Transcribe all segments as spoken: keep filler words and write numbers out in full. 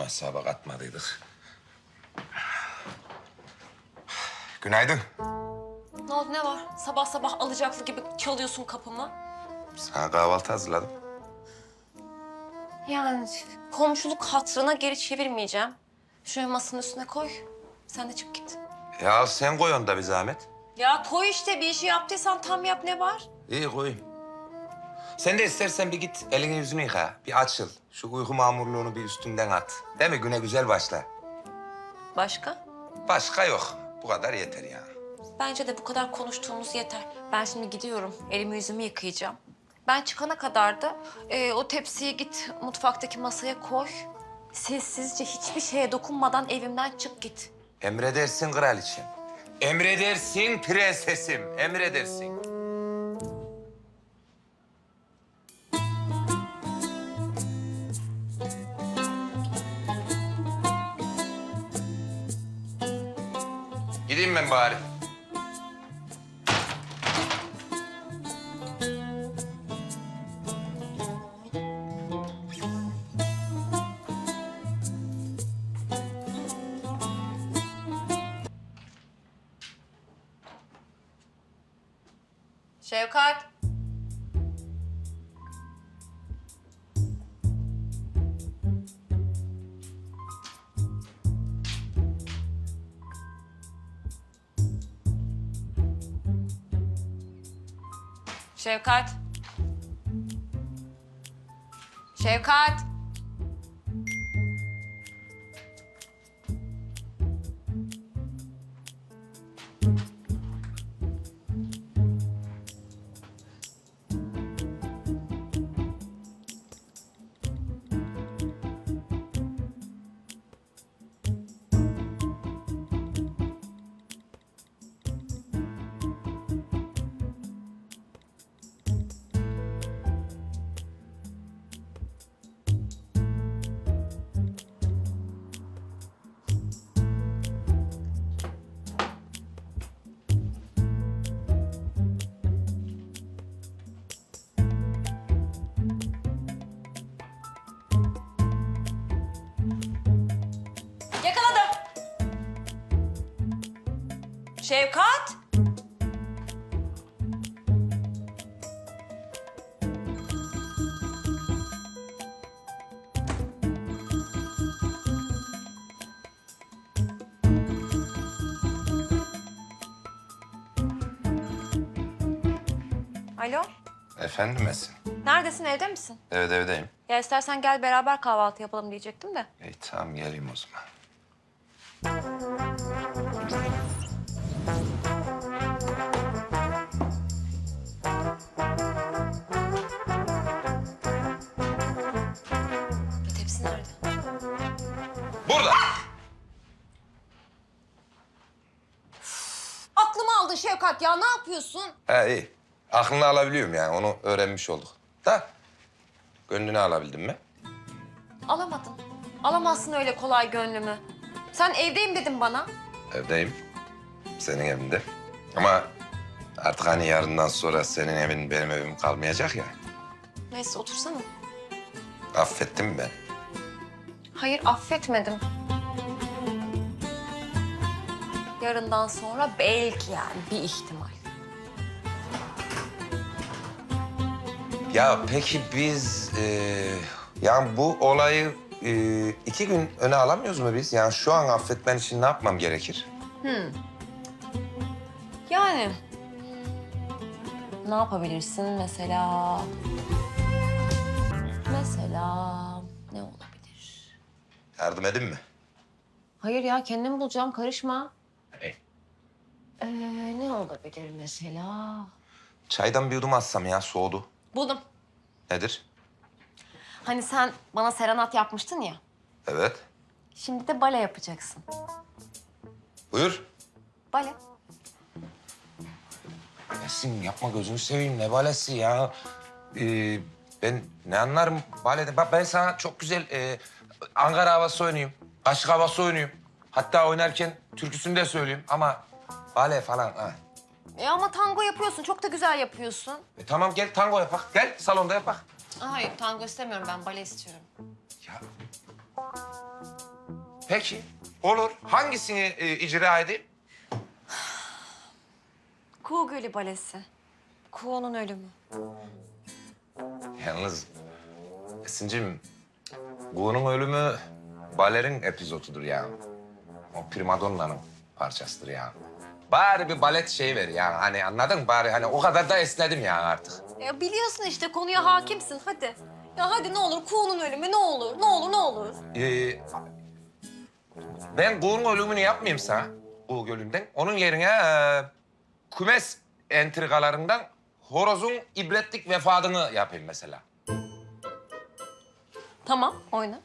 hesaba katmadıydık. Günaydın. Ne oldu, ne var? Sabah sabah alacaklı gibi çalıyorsun kapımı. Sana kahvaltı hazırladım. Yani komşuluk hatırına geri çevirmeyeceğim. Şuraya masanın üstüne koy. Sen de çık git. Ya sen koy onu da bir zahmet. Ya koy işte, bir işi yaptıysan tam yap, ne var? İyi koyayım. Sen de istersen bir git elini yüzünü yıka. Bir açıl. Şu uyku mamurluğunu bir üstünden at. Değil mi? Güne güzel başla. Başka? Başka yok. Bu kadar yeter yani. Bence de bu kadar konuştuğumuz yeter. Ben şimdi gidiyorum. Elimi yüzümü yıkayacağım. Ben çıkana kadar da e, o tepsiyi git mutfaktaki masaya koy. Sessizce, hiçbir şeye dokunmadan evimden çık git. Emredersin kraliçem. Emredersin prensesim. Emredersin. Gideyim ben bari. Şevkat. Şevkat. Şevkat. Yakaladım. Şevkat. Alo. Efendim Esin. Neredesin, evde misin? Evet evdeyim. Ya istersen gel beraber kahvaltı yapalım diyecektim de. İyi tamam geleyim o zaman. Tepsi nerede? Burada. Aklımı aldın Şevkat ya, ne yapıyorsun? Ha iyi. Aklını alabiliyorum yani onu öğrenmiş olduk. Da gönlünü alabildim mi? Alamadın. Alamazsın öyle kolay gönlümü. Sen evdeyim dedin bana. Evdeyim. Senin evinde. Ama artık hani yarından sonra senin evin benim evim kalmayacak ya. Neyse otursana. Affettin mi ben? Hayır, affetmedim. Yarından sonra belki, yani bir ihtimal. Ya peki biz e, yani bu olayı e, iki gün öne alamıyoruz mu biz? Yani şu an affetmen için ne yapmam gerekir? Yani ne yapabilirsin mesela? Mesela ne olabilir? Yardım edin mi? Hayır ya, kendim bulacağım, karışma. Hey. Ee, ne olabilir mesela? Çaydan bir yudum atsam ya soğudu. Buldum. Nedir? Hani sen bana serenat yapmıştın ya. Evet. Şimdi de bale yapacaksın. Buyur. Bale. Esin yapma gözünü seveyim ne balesi ya. Ee, ben ne anlarım balede. Bak ben sana çok güzel e, Ankara havası oynayayım. Kaşık havası oynayayım. Hatta oynarken türküsünü de söyleyeyim ama bale falan ha. E ama tango yapıyorsun, çok da güzel yapıyorsun. E, tamam gel tango yapak. Gel salonda yapak. Hayır, tango istemiyorum ben, bale istiyorum. Ya Peki, olur. Hangisini e, icra edeyim? Kuğu Gölü Balesi. Kuğu'nun ölümü. Yalnız Esin'cim, Kuğu'nun ölümü balerin epizodudur ya. O primadonna'nın parçasıdır ya. Bari bir balet şeyi ver ya. Hani anladın mı? Bari hani o kadar da esnedim ya artık. Ya biliyorsun işte konuya hakimsin hadi. Ya hadi ne olur Kuğu'nun ölümü ne olur ne olur ne olur. Ee, ben Kuğu'nun ölümünü yapmayayım sana. Kuğu Gölü'nden. Onun yerine e, kümes entrikalarından horozun ibretlik vefadını yapayım mesela. Tamam oyna.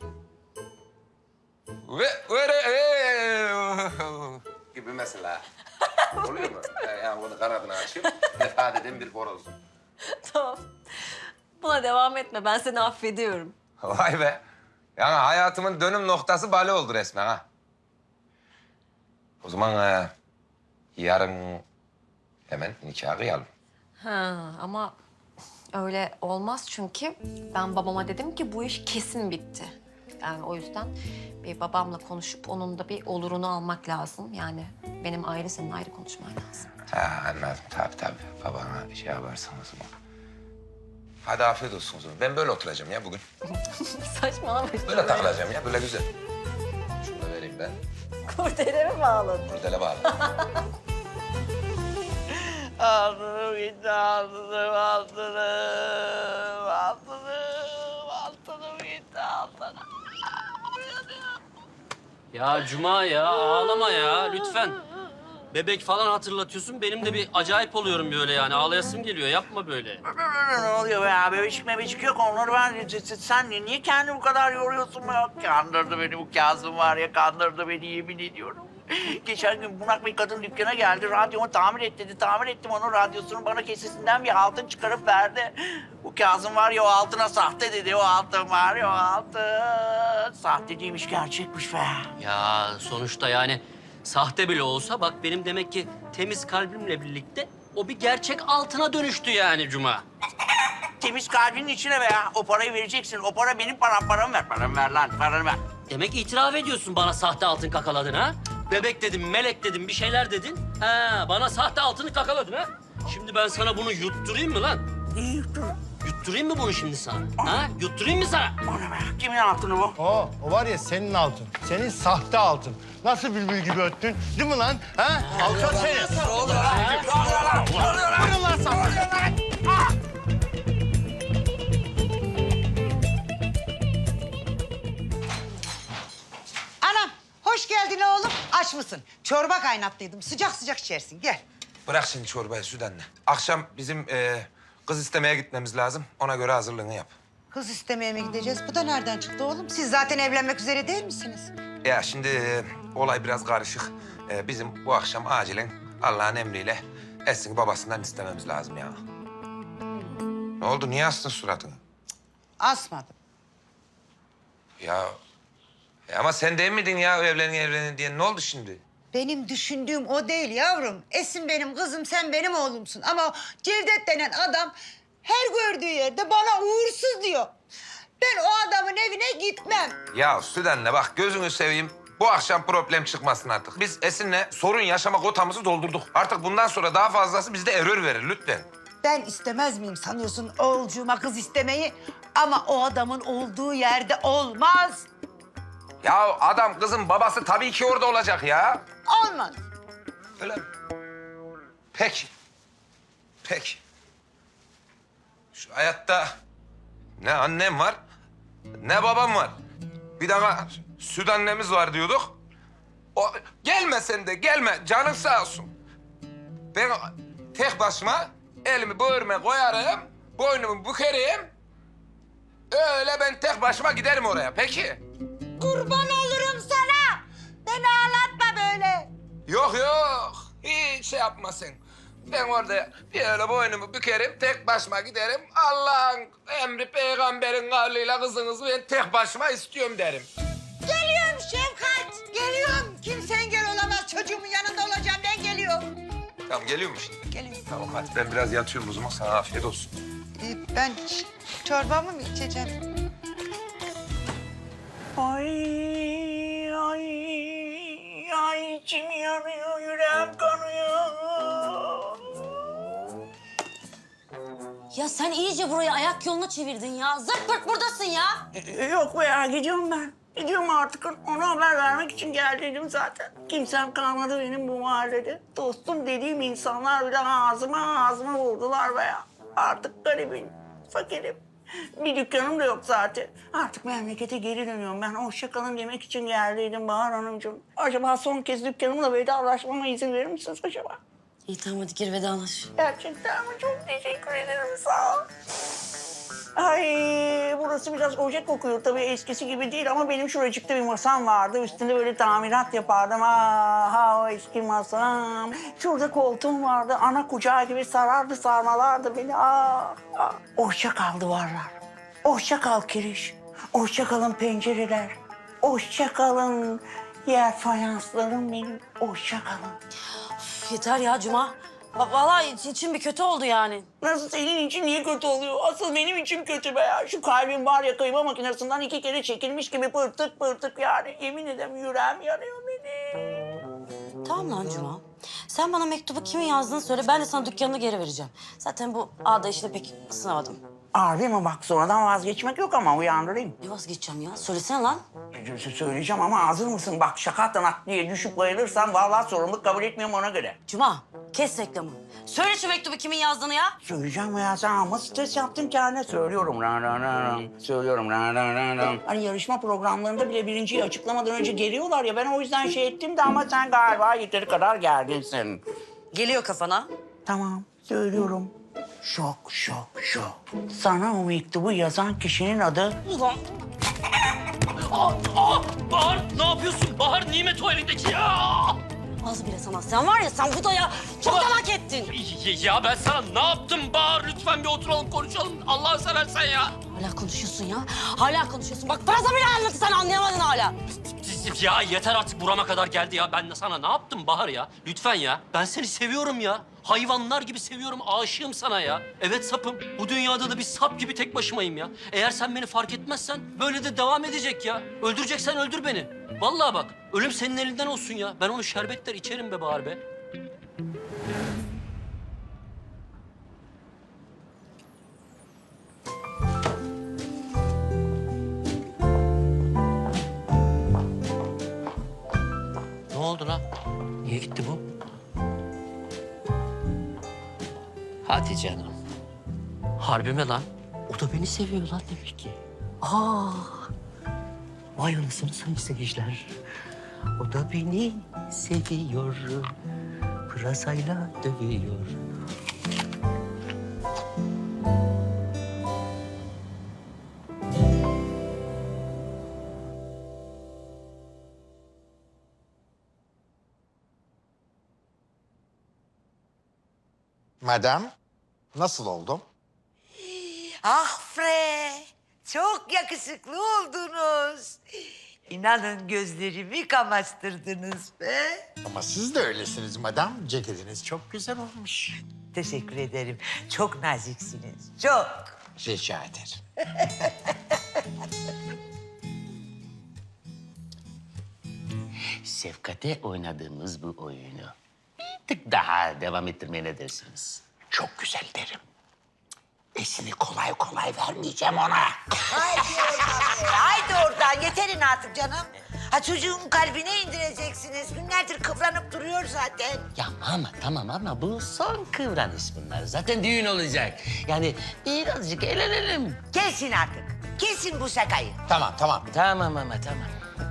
Ve öyle ee, gibi mesela. Oluyor mu? Yani bunu kanadını açayım. Vefat eden bir horoz. Tamam. Buna devam etme ben seni affediyorum. Vay be. Yani hayatımın dönüm noktası bale oldu resmen ha. O zaman e, yarın hemen nikahı kıyalım. Ha ama öyle olmaz çünkü ben babama dedim ki bu iş kesin bitti. Yani o yüzden bir babamla konuşup onun da bir olurunu almak lazım. Yani benim ayrı senin ayrı konuşman lazım. Ha anladım. Tabii tabii. Babana şey yaparsın o zaman. Hadi afiyet olsun o zaman. Ben böyle oturacağım ya bugün. Saçmalama işte. Böyle takılacağım ya. Böyle güzel. Şunu da vereyim ben. Kurdele mi bağladın? Kurdele bağlı. Altınım gitti, altınım, altınım, altınım, altınım gitti, altınım. Ya Cuma ya ağlama ya lütfen. Bebek falan hatırlatıyorsun. Benim de bir acayip oluyorum böyle yani. Ağlayasım geliyor. Yapma böyle. Ne oluyor be abi? Bebecik mebecik yok. Onları ben... Sen niye kendini bu kadar yoruyorsun be? Kandırdı beni bu Kazım var ya. Kandırdı beni yemin ediyorum. Geçen gün bunak bir kadın dükkana geldi. Radyomu tamir et dedi. Tamir ettim onun radyosunu. Bana kesesinden bir altın çıkarıp verdi. Bu Kazım var ya o altına sahte dedi. O altın var ya o altın. Sahte değilmiş gerçekmiş be. Ya sonuçta yani sahte bile olsa bak benim demek ki temiz kalbimle birlikte o bir gerçek altına dönüştü yani Cuma. Temiz kalbinin içine be ya. O parayı vereceksin. O para benim param. Paramı ver. Paramı ver lan. Paranı ver. Demek itiraf ediyorsun bana sahte altın kakaladın ha? Bebek dedim, melek dedim, bir şeyler dedin. Ha, bana sahte altını kakaladın ha? Şimdi ben sana bunu yutturayım mı lan? İyi yuttur. Yutturayım mı bunu şimdi sana? Ha? Yutturayım mı sana? O ne be? Kimin altını bu? O, o var ya senin altın. Senin sahte altın. Nasıl bülbül gibi öttün? Değil mi lan? Ha? Alçak seni. Vurun lan sana. Anam, hoş geldin oğlum. Aç mısın? Çorba kaynattıydım. Sıcak sıcak içersin. Gel. Bırak şimdi çorbayı Süden'le. Akşam bizim e, kız istemeye gitmemiz lazım. Ona göre hazırlığını yap. Kız istemeye mi gideceğiz? Bu da nereden çıktı oğlum? Siz zaten evlenmek üzere değil misiniz? Ya şimdi e, olay biraz karışık. E, bizim bu akşam acilen Allah'ın emriyle Esin'i babasından istememiz lazım ya. Ne oldu? Niye astın suratını? Asmadım. Ya, e ama sen değil miydin ya evlenin evlenin diye? Ne oldu şimdi? Benim düşündüğüm o değil yavrum. Esin benim kızım, sen benim oğlumsun. Ama Cevdet denen adam her gördüğü yerde bana uğursuz diyor. Ben o adamın evine gitmem. Ya Süden'le bak gözünü seveyim. Bu akşam problem çıkmasın artık. Biz Esin'le sorun yaşama kotamızı doldurduk. Artık bundan sonra daha fazlası bizde error verir lütfen. Ben istemez miyim sanıyorsun oğulcuğuma kız istemeyi? Ama o adamın olduğu yerde olmaz. Ya adam kızın babası tabii ki orada olacak ya. Olmaz. Öyle mi? Peki. Peki. Şu hayatta ne annem var, ne babam var. Bir daha süt annemiz var diyorduk. O gelme sen de gelme, canın sağ olsun. Ben tek başıma elimi böğrüme koyarım, boynumu bükerim. Öyle ben tek başıma giderim oraya. Peki. Kurban olurum sana. Beni ağlatma böyle. Yok yok. Hiç şey yapma sen. Ben orada bir öyle boynumu bükerim, tek başıma giderim. Allah'ın emri peygamberin kavliyle kızınızı ben tek başıma istiyorum derim. Geliyorum Şefkat. Geliyorum. Kimse engel olamaz. Çocuğumun yanında olacağım. Ben geliyorum. Tamam geliyor mu şimdi? Geliyorum. Tamam hadi ben biraz yatıyorum o zaman sana afiyet olsun. Ee, ben ç- çorbamı mı içeceğim? Ay, ay, içim yanıyor, yüreğim kanıyor. Ya sen iyice burayı ayak yoluna çevirdin ya. Zırt pırt buradasın ya. Ee, Yok be ya, gidiyorum ben. Gidiyorum artık. Ona haber vermek için geldiydim zaten. Kimsem kalmadı benim bu mahallede. Dostum dediğim insanlar bile ağzıma ağzıma vurdular be ya. Artık garibim, fakirim. Bir dükkanım da yok zaten. Artık memlekete geri dönüyorum. Ben hoşça kalın demek için geldiydim Bahar Hanımcığım. Acaba son kez dükkanımla vedalaşmama izin verir misiniz acaba? İyi tamam hadi gir vedalaş. Gerçekten mi? Çok teşekkür ederim, sağ ol. Ay, burası biraz ocak kokuyor tabii, eskisi gibi değil ama benim şuracıkta bir masam vardı. Üstünde böyle tamirat yapardım. Ah, o eski masam. Şurada koltuğum vardı. Ana kucağı gibi sarardı, sarmalardı beni. Ah, ah. Hoşça kal duvarlar. Hoşça kal kiriş. Hoşça kalın pencereler. Hoşça kalın yer fayanslarım benim. Hoşça kalın. Üf, yeter ya Cuma. Va- Vallahi iç- içim bir kötü oldu yani. Nasıl, senin için niye kötü oluyor? Asıl benim içim kötü be ya. Şu kalbim var ya, kıyma makinesinden iki kere çekilmiş gibi pırtık pırtık yani. Yemin ederim yüreğim yanıyor benim. Tamam lan Cuma. Sen bana mektubu kimin yazdığını söyle. Ben de sana dükkanını geri vereceğim. Zaten bu ağda işine pek ısınamadım. Harbi mi? Bak, sonradan vazgeçmek yok ama uyandırayım. Ne vazgeçeceğim ya? Söylesene lan. Sö- Söyleyeceğim ama hazır mısın? Bak, şaka tanak diye düşüp bayılırsan vallahi sorumluluk kabul etmiyorum, ona göre. Cuma kes reklamı. Söyle şu mektubu kimin yazdığını ya. Söyleyeceğim ya, sen ama stres yaptın kendine. Söylüyorum. Ra, ra, ra, ra. Söylüyorum. Ra, ra, ra, ra. Hani yarışma programlarında bile birinciyi açıklamadan önce geliyorlar ya. Ben o yüzden şey ettim de ama sen galiba yeteri kadar gerginsin. Geliyor kafana. Tamam, söylüyorum. Şok, şok, şok. Sana o mektubu yazan kişinin adı... Ulan Aa, aa, Bahar ne yapıyorsun? Bahar nimet o elindeki ya. az bile sana. Sen var ya sen bu da ya çok hak ettin. Ya, ya ben sana ne yaptım Bahar? Lütfen bir oturalım konuşalım. Allah'ını seversen ya. Hala konuşuyorsun ya. Hala konuşuyorsun. Bak fazla bile anlattı sen anlayamadın hala. Ya yeter artık, burama kadar geldi ya. Ben de sana ne yaptım Bahar ya? Lütfen ya. Ben seni seviyorum ya. Hayvanlar gibi seviyorum, aşığım sana ya. Evet sapım. Bu dünyada da bir sap gibi tek başımayım ya. Eğer sen beni fark etmezsen böyle de devam edecek ya. Öldüreceksen öldür beni. Vallahi bak, ölüm senin elinden olsun ya. Ben onu şerbetler içerim be Bahar be. Ne oldu lan? Niye gitti bu? Hadi canım. Harbi mi lan? O da beni seviyor lan demek ki. Aa! Vay anasını sayın seyirciler. O da beni seviyor. Pırasayla dövüyor. Madem, nasıl oldum? Ah bre, çok yakışıklı oldunuz. İnanın gözlerimi kamaştırdınız be. Ama siz de öylesiniz madem. Ceketiniz çok güzel olmuş. Teşekkür ederim. Çok naziksiniz, çok. Rica ederim. Şefkat'e oynadığımız bu oyunu bir tık daha devam ettirmeye ne dersiniz? Çok güzel derim. Esini kolay kolay vermeyeceğim ona. Haydi oradan be, haydi oradan. Yeterin artık canım. Ha çocuğun kalbine indireceksiniz. Günlerdir kıvranıp duruyor zaten. Ya ama tamam ama bu son kıvranış bunlar. Zaten düğün olacak. Yani birazcık eğlenelim. Kesin artık. Kesin bu şakayı. Tamam, tamam. Tamam ama tamam.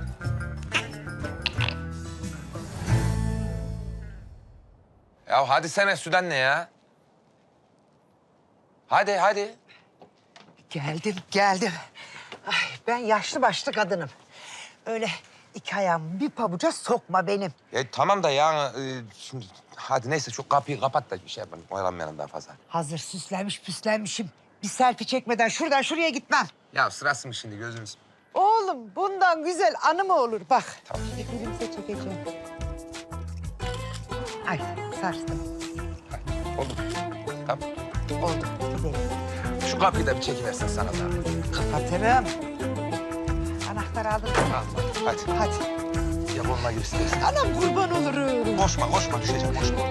Ya hadi sene Süden ne ya? Hadi hadi. Geldim, geldim. Ay, ben yaşlı başlı kadınım. Öyle iki ayağımı bir pabuca sokma benim. Ya tamam da ya e, şimdi hadi neyse şu kapıyı kapat da bir şey yapalım. Oyalanmayalım daha fazla. Hazır süslenmiş püslenmişim. Bir selfie çekmeden şuradan şuraya gitmem. Ya sırası mı şimdi gözünüz? Oğlum bundan güzel anı mı olur bak. Tamam. Elimize çekeceğim. Ay sarstım. Oldu. Tamam. Oldu gidelim. Şu kapıyı da bir çekiversen sana da. Kapatırım. Anahtarı aldım. Al, hadi. Hadi. ya koluna gir istersen. Anam kurban olurum. Koşma koşma düşeceğim koşma.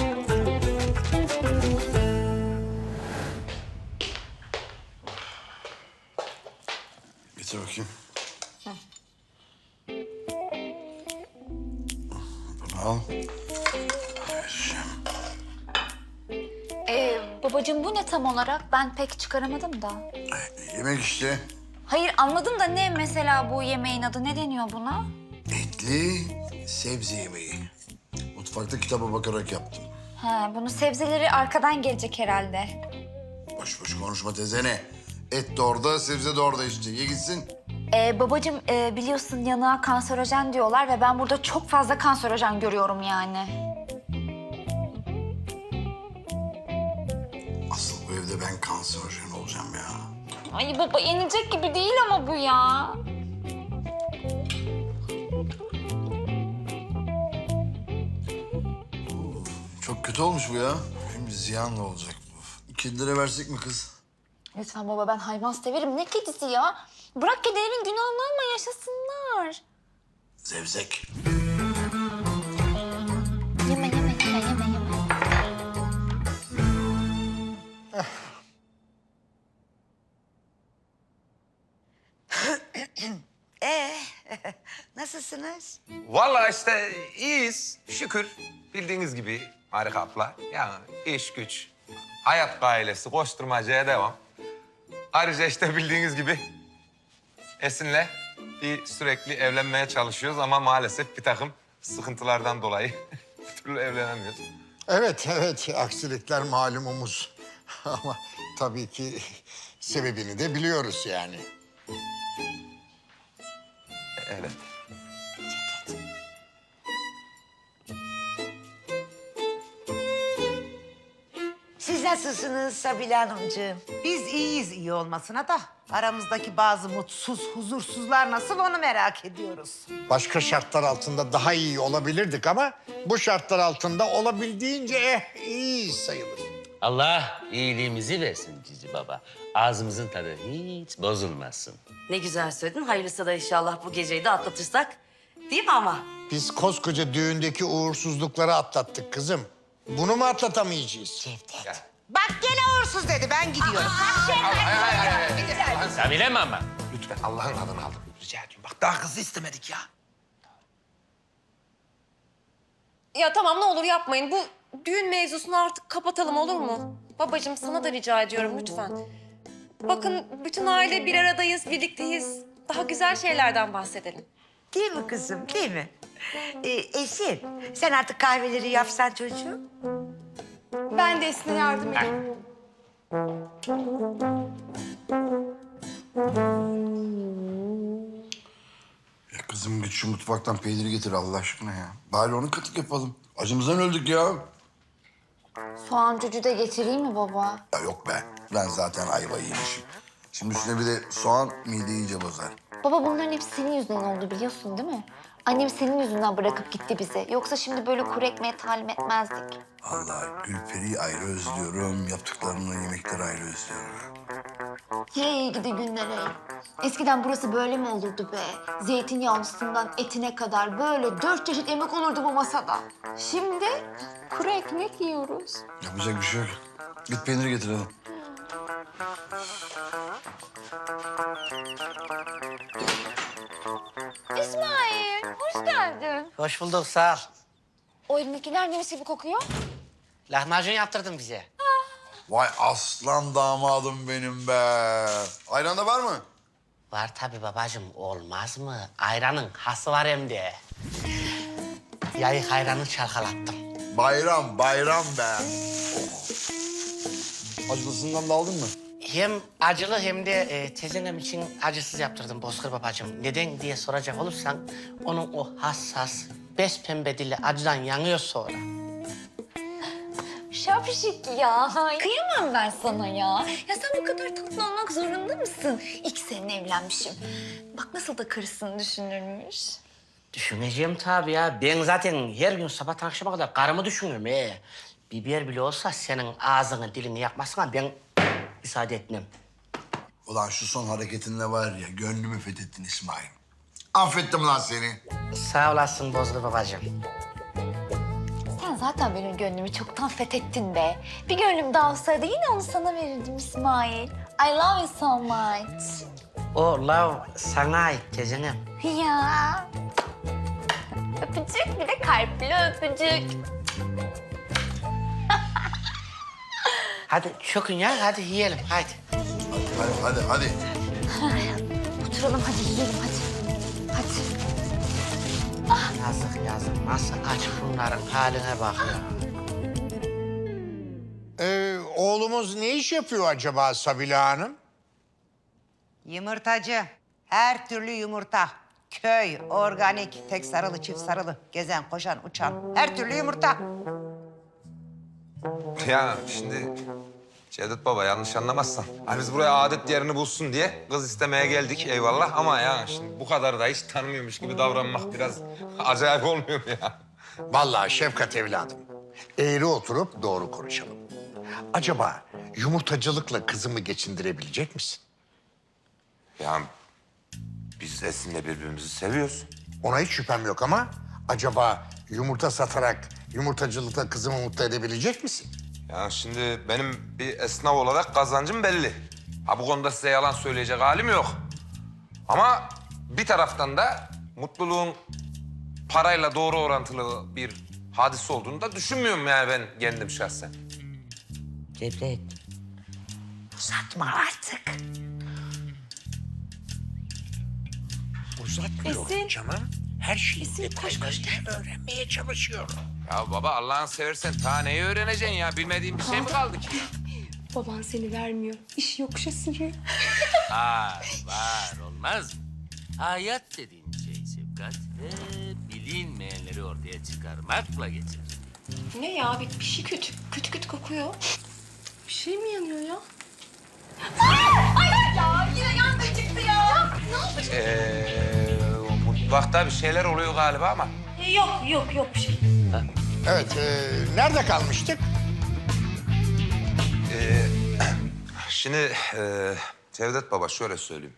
Getir bakayım. Bunu al. Vereceğim. Ee, babacığım bu ne tam olarak? Ben pek çıkaramadım da. Yemek işte. Hayır anladım da ne mesela bu yemeğin adı? Ne deniyor buna? Etli sebze yemeği. Mutfakta kitaba bakarak yaptım. Ha, bunun sebzeleri arkadan gelecek herhalde. Boş boş konuşma tezene. Et de orada, sebze de orada işte. Ye gitsin. Ee, babacığım e, biliyorsun yanığa kanserojen diyorlar ve ben burada çok fazla kanserojen görüyorum yani. Asıl bu evde ben kanserojen olacağım ya. Ay baba yenilecek gibi değil ama bu ya. Çok kötü olmuş bu ya. Hem ziyanla olacak bu. Kedilere versek mi kız? Lütfen baba ben hayvan severim. Ne kedisi ya? Bırak kedilerin günahını alma yaşasınlar. Zevzek. Yeme yeme yeme yeme yeme. Ee, nasılsınız? Vallahi işte iyiyiz şükür. Bildiğiniz gibi harika abla. Yani iş güç, hayat gailesi, koşturmacaya devam. Ayrıca işte bildiğiniz gibi Esin'le bir sürekli evlenmeye çalışıyoruz ama maalesef bir takım sıkıntılardan dolayı bir türlü evlenemiyoruz. Evet, evet. Aksilikler malumumuz. Ama tabii ki sebebini de biliyoruz yani. Evet. Siz nasılsınız Sabile Hanımcığım? Biz iyiyiz iyi olmasına da aramızdaki bazı mutsuz, huzursuzlar nasıl onu merak ediyoruz. Başka şartlar altında daha iyi olabilirdik ama bu şartlar altında olabildiğince eh iyi sayılır. Allah iyiliğimizi versin Cici Baba. Ağzımızın tadı hiç bozulmasın. Ne güzel söyledin. Hayırlısı da inşallah bu geceyi de atlatırsak. Değil mi ama? Biz koskoca düğündeki uğursuzlukları atlattık kızım. Bunu mu atlatamayacağız? Cevdet. Bak gene uğursuz dedi ben gidiyorum. Sabile mi ama? Lütfen Allah'ın adını aldım. Rica ediyorum. Bak daha kızı istemedik ya. Ya tamam ne olur yapmayın. Bu düğün mevzusunu artık kapatalım olur mu? Babacığım sana da rica ediyorum lütfen. Bakın bütün aile bir aradayız, birlikteyiz. Daha güzel şeylerden bahsedelim. Değil mi kızım, değil mi? Ee, Esin, sen artık kahveleri yapsan çocuğum. Ben de Esin'e yardım edeyim. Ya kızım git şu mutfaktan peyniri getir Allah aşkına ya. Bari onu katık yapalım. Acımızdan öldük ya. Soğan cücü de getireyim mi baba? Ya yok be. Ben zaten ayva yemişim. Şimdi üstüne bir de soğan mideyi iyice bozar. Baba bunların hepsi senin yüzünden oldu biliyorsun değil mi? Annem senin yüzünden bırakıp gitti bize. Yoksa şimdi böyle kuru ekmeğe talim etmezdik. Allah Gülperi'yi ayrı özlüyorum. Yaptıklarını yemekleri ayrı özlüyorum. Hey gidi günlere. Eskiden burası böyle mi olurdu be? Zeytinyağlısından etine kadar böyle dört çeşit yemek olurdu bu masada. Şimdi kuru ekmek yiyoruz. Yapacak bir şey yok. Git peyniri getir hadi. İsmail, hoş geldin. Hoş bulduk sağ ol. O elindekiler ne gibi kokuyor? Lahmacun yaptırdın bize. Vay aslan damadım benim be. Ayran da var mı? Var tabii babacığım olmaz mı? Ayranın hası var hem de. Yayık ayranı çalkalattım. Bayram, bayram be. Oh. Acılısından da aldın mı? Hem acılı hem de e, tezenem için acısız yaptırdım Bozkır babacığım. Neden diye soracak olursan onun o hassas, bespembe dili acıdan yanıyor sonra. Şapşik ya. Kıyamam ben sana ya. Ya sen bu kadar tatlı olmak zorunda mısın? İki sene evlenmişim. Bak nasıl da karısını düşünürmüş. Düşüneceğim tabii ya. Ben zaten her gün sabahtan akşama kadar karımı düşünürüm. He. Biber bile olsa senin ağzını dilini yakmasına ben müsaade etmem. Ulan şu son hareketinle var ya gönlümü fethettin İsmail. Affettim lan seni. Sağ olasın Bozkır babacığım. Sen zaten benim gönlümü çoktan fethettin be. Bir gönlüm daha olsaydı yine onu sana verirdim İsmail. I love you so much. O love sana ait Tezenem. Ya. Öpücük, bir de kalpli öpücük. Hadi çökün ya, hadi yiyelim, hadi. Hadi hadi hadi. Oturalım hadi yiyelim hadi. Hadi. Yazık yazık, nasıl aç bunların haline bak ya. Ee, oğlumuz ne iş yapıyor acaba Sabila Hanım? Yumurtacı. Her türlü yumurta. Köy, organik, tek sarılı, çift sarılı. Gezen, koşan, uçan. Her türlü yumurta. Ya şimdi Cevdet Baba yanlış anlamazsan. Hani biz buraya adet yerini bulsun diye kız istemeye geldik eyvallah. Ama ya şimdi bu kadar da hiç tanımıyormuş gibi davranmak biraz acayip olmuyor mu ya? Vallahi Şefkat evladım, eğri oturup doğru konuşalım. Acaba yumurtacılıkla kızımı geçindirebilecek misin? Ya biz Esin'le birbirimizi seviyoruz. Ona hiç şüphem yok ama acaba yumurta satarak yumurtacılıkla kızımı mutlu edebilecek misin? Ya şimdi benim bir esnaf olarak kazancım belli. Ha bu konuda size yalan söyleyecek halim yok. Ama bir taraftan da mutluluğun parayla doğru orantılı bir hadise olduğunu da düşünmüyorum yani ben kendim şahsen. Cevdet. Uzatma artık. Uzatmıyorum canım. Her şeyi detaylarıyla öğrenmeye çalışıyorum. Ya baba Allah'ını seversen ta neyi öğreneceksin ya? Bilmediğin bir şey mi kaldı ki? Baban seni vermiyor. İş yokuşa sürüyor. Var, var. Olmaz mı? Hayat dediğin şey Şefkat ve bilinmeyenleri ortaya çıkarmakla geçer. Ne ya? Bir, bir şey kötü. Kötü kötü kokuyor. Bir şey mi yanıyor ya? Ay ya yine yangın çıktı ya. Ne yapacağız? Ee, o mutfakta bir şeyler oluyor galiba ama. Yok yok yok bir şey. Evet, e, nerede kalmıştık? Ee, şimdi e, Cevdet Baba şöyle söyleyeyim.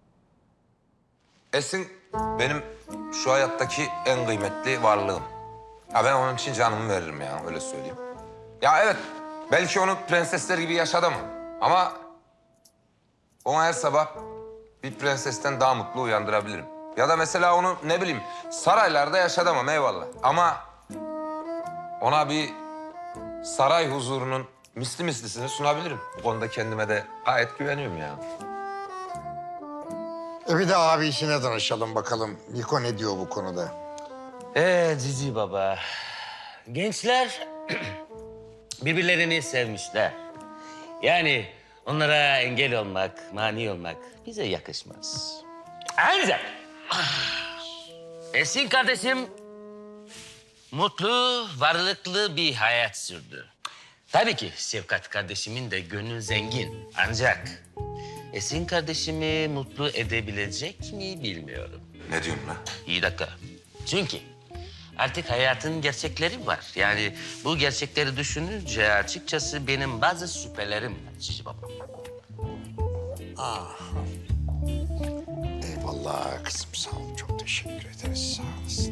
Esin benim şu hayattaki en kıymetli varlığım. Ya ben onun için canımı veririm ya öyle söyleyeyim. Ya evet belki onu prensesler gibi yaşadım ama onu her sabah bir prensesten daha mutlu uyandırabilirim. Ya da mesela onu ne bileyim saraylarda yaşadamam eyvallah. Ama ona bir saray huzurunun misli mislisini sunabilirim. Bu konuda kendime de gayet güveniyorum ya. E bir de abisine danışalım bakalım. Niko ne diyor bu konuda? Ee Cici Baba, gençler birbirlerini sevmişler. Yani onlara engel olmak, mani olmak bize yakışmaz. Ancak Esin kardeşim mutlu, varlıklı bir hayat sürdü. Tabii ki Şefkat kardeşimin de gönlü zengin. Ancak Esin kardeşimi mutlu edebilecek mi bilmiyorum. Ne diyorsun lan? İyi dakika. Çünkü artık hayatın gerçekleri var. Yani bu gerçekleri düşününce açıkçası benim bazı şüphelerim var Cici Baba. Eyvallah kızım, sağ ol. Çok teşekkür ederiz, sağ olasın.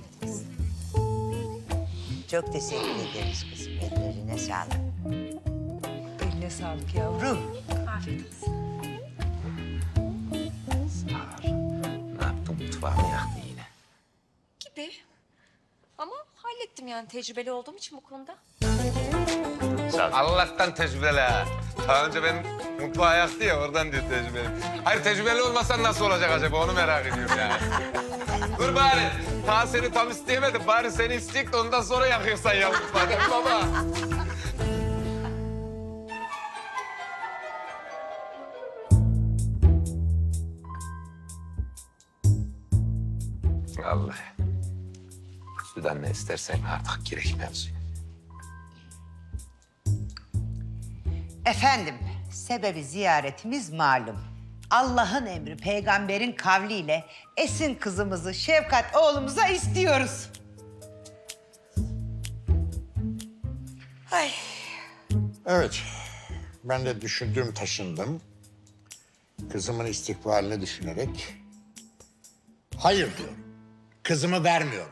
Çok teşekkür ederiz kızım. Ellerine sağlık. Eline sağlık yavrum. Ne yaptın mutfağımı yaktın yine? Gibi. Ama hallettim yani tecrübeli olduğum için bu konuda. Sağ ol. Allah'tan tecrübeli ha. Daha önce benim mutfağı yaktı ya oradan diyor tecrübeli. Hayır tecrübeli olmasan nasıl olacak acaba onu merak ediyorum yani. Dur bari. Ta seni tam isteyemedim. Bari seni isteyecek de ondan sonra yakıyorsan ya mutfağı değil mi baba? Allah. Sudan ne istersen artık gerek mevzu. Efendim, sebebi ziyaretimiz malum. Allah'ın emri, peygamberin kavliyle Esin kızımızı Şefkat oğlumuza istiyoruz. Ay. Evet, ben de düşündüm, taşındım. Kızımın istikbalini düşünerek Hayır diyorum. Kızımı vermiyorum.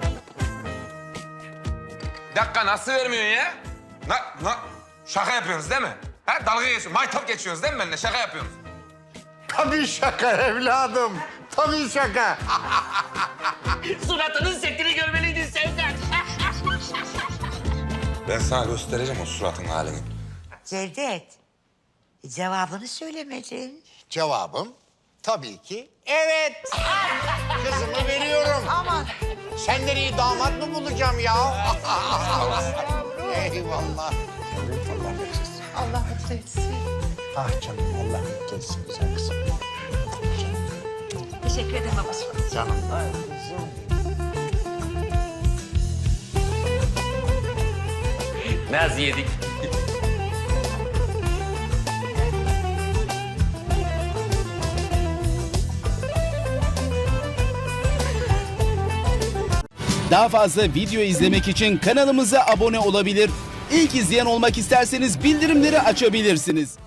Bir dakika nasıl vermiyorsun ya? Na, na, şaka yapıyorsunuz değil mi? Ha, dalga geçiyorsunuz, maytap geçiyorsunuz değil mi benimle? Şaka yapıyorsunuz. Tabii şaka evladım. Tabii şaka. Suratının setini görmeliydin Sevkat. Ben sana göstereceğim o suratın halini. Cevdet, cevabını söylemedin. Cevabım tabii ki evet. Kızımı veriyorum. Aman. Senden iyi damat mı bulacağım ya? Eyvallah. Yavrum Allah versin. Allah mutlu etsin. Ah canım Allah mutlu etsin güzel kızım. Teşekkür ederim babacığım. Canım. Naz yedik. Daha fazla video izlemek için kanalımıza abone olabilir. İlk izleyen olmak isterseniz bildirimleri açabilirsiniz.